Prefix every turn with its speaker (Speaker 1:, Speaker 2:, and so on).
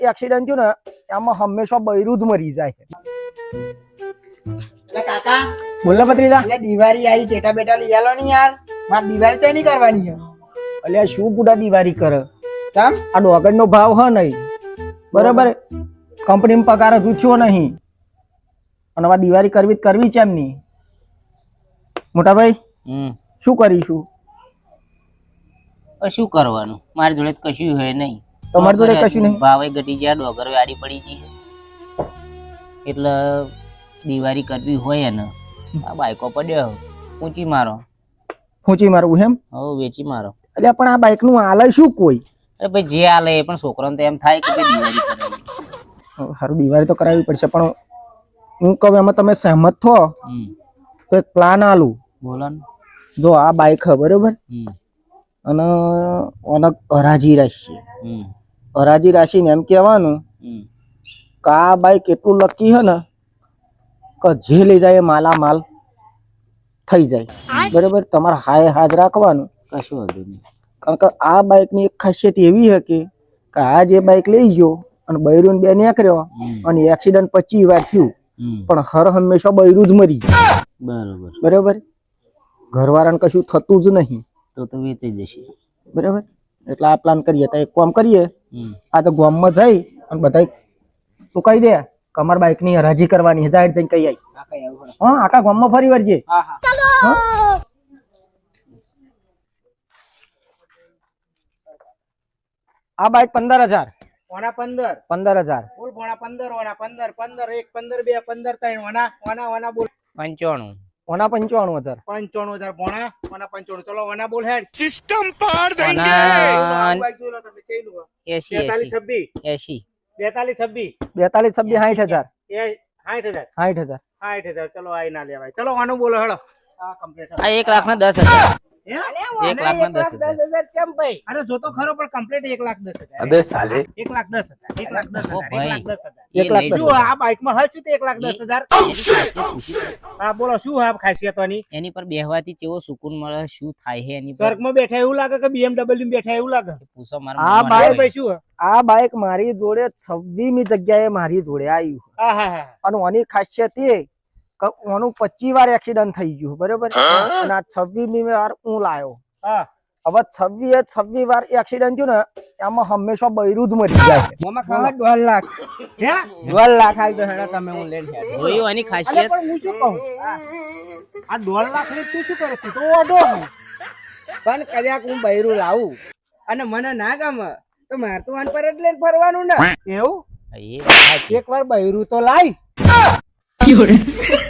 Speaker 1: Accident થયું ને આમાં હંમેશા બૈરું જ મરી જાય.
Speaker 2: એટલે કાકા
Speaker 1: બોલો ભત્રીજા.
Speaker 2: એટલે દિવાળી આવી ટેટા બેટા લઈ આલો ને યાર. મારે દિવાળી તો નહીં કરવાની છે.
Speaker 1: અલ્યા શું ગુડા દિવાળી કરે?
Speaker 2: કેમ?
Speaker 1: આ ડોગર નો ભાવ હ નહીં બરાબર. કંપનીમાં પગાર જ ઉઠ્યો નહીં અને હવે દિવાળી કરવી છે એમની. મોટા ભાઈ શું કરીશું?
Speaker 3: શું કરવાનું, મારી જોડે કશું હોય નહીં.
Speaker 1: તમારી જોડે કશું નહીં?
Speaker 3: ભાવે ઘટી ગયા, ડોગર આડી પડી ગઈ, એટલે દિવાળી કરવી હોય ને આ બાઈકો પડ્યો ઊંચી મારો.
Speaker 1: ઊંચી મારવું એમ?
Speaker 3: હવે વેચી મારો.
Speaker 1: એટલે પણ આ બાઈક નું હાલે શું કોઈ?
Speaker 3: અરે ભાઈ જે હાલે એ પણ છોકરાને તો એમ થાય કે દિવાળી કરાવી.
Speaker 1: સારું દિવાળી તો કરાવવી પડશે, પણ હું કહું એમાં તમે સહેમત થો તો એક પ્લાન આલું.
Speaker 3: બોલો ને.
Speaker 1: જો આ બાઈક હે બરોબર, અને ઓનક હરાજી રાશિ હરાજી રાશિ ને એમ કહેવાનું કે આ બાઈક એટલું લકી હે ને કે જે લઈ જાય માલા માલ થઈ જાય બરોબર. તમારે હાય હાજ રાખવાનું,
Speaker 3: કશું હતું નહીં.
Speaker 1: કારણ કે આ બાઈક ની એક ખાસિયત એવી છે કે આ જે બાઈક લઈ ગયો અને બૈરું બે નીકળ્યો અને એક્સિડન્ટ 25 વાર થયું પણ હર હંમેશા બૈરું જ મરી
Speaker 3: બરોબર
Speaker 1: બરોબર. ઘરવાળાને કશું થતું જ નહીં
Speaker 3: તો વેચાઈ જશે
Speaker 1: બરાબર. એટલે આ પ્લાન કરીએ તો એક કામ કરીએ, આ તો ગામમાં જઈ અને બધા તું કહી દે કે અમારા બાઈક ની હરાજી કરવાની જાહેર જઈને કહી આવી. હા આખા ગામમાં ફરી વળજે. આ બાઈક 15,000
Speaker 2: ઓના 15
Speaker 1: 15,000
Speaker 2: બોલ. ઓના 15 ઓના 15 15 1 15 2 15 3 ઓના બોલ.
Speaker 3: 95
Speaker 1: ઓના 95,000
Speaker 2: 95,000 ભોણા ઓના 95. ચલો ઓના બોલ હેડ.
Speaker 4: સિસ્ટમ પાર દેંગે.
Speaker 2: બાઈક જોઈ લો તમે ચેલું
Speaker 3: 80
Speaker 2: 42
Speaker 3: 80
Speaker 2: 26
Speaker 1: 42 26 60,000
Speaker 2: 60,000
Speaker 1: 60,000
Speaker 2: 60,000. ચલો આઈ ના લેવાય. ચલો આનું બોલો હેડો. આ કમ્પ્લીટ.
Speaker 3: આ 1,10,000
Speaker 2: હે?
Speaker 3: 1,10,000
Speaker 2: ચમ ભાઈ. અરે જો તો ખરો પણ કમ્પ્લીટ 1,10,000.
Speaker 4: અબે સાલે
Speaker 2: 1,10,000 1,10,000
Speaker 3: ઓ ભાઈ.
Speaker 2: 1,10,000 શું આ બાઈક માં હશે તે 1,10,000? હા બોલો શું આ ખાસિયતોની?
Speaker 3: એની પર બેહવાથી કેવો સુકૂન મળે, શું થાય છે એની પર
Speaker 2: સ્વર્ગમાં બેઠા એવું લાગે કે BMW માં બેઠા એવું લાગે?
Speaker 3: પૂછો
Speaker 1: આ
Speaker 3: મારા
Speaker 1: બાઈક
Speaker 2: ભાઈ શું?
Speaker 1: આ બાઈક મારી જોડે 26મી જગ્યાએ મારી જોડે આવ્યું
Speaker 2: હા હા હા.
Speaker 1: અને ઓની ખાસિયત એ કે ઓનું 25 વાર એક્સિડન્ટ થઈ ગયું બરોબર. અને આ 26મી વાર હું લાયો.
Speaker 2: હા
Speaker 1: હવે 26 વાર એક્સિડન્ટ થયું ને આમાં હંમેશા બૈરું જ મરી જાય.
Speaker 2: મામા ખાવા 1.5 લાખ. હે
Speaker 5: 1.5 લાખ આવી તો હેડો તમે હું લઈને હેડો.
Speaker 3: જોયું એની
Speaker 2: અરે
Speaker 3: ખાસિયત.
Speaker 2: પણ હું શું કહું આ 1.5 લાખ ની તું શું કરે તું તો ઓડો હું.
Speaker 5: પણ કદાચ હું બૈરું લાવું અને મને ના ગમે તો મારે તો આન પર જ લઈને ફરવાનું ને.
Speaker 2: એવું
Speaker 3: એ
Speaker 2: એકવાર બૈરું તો લાય.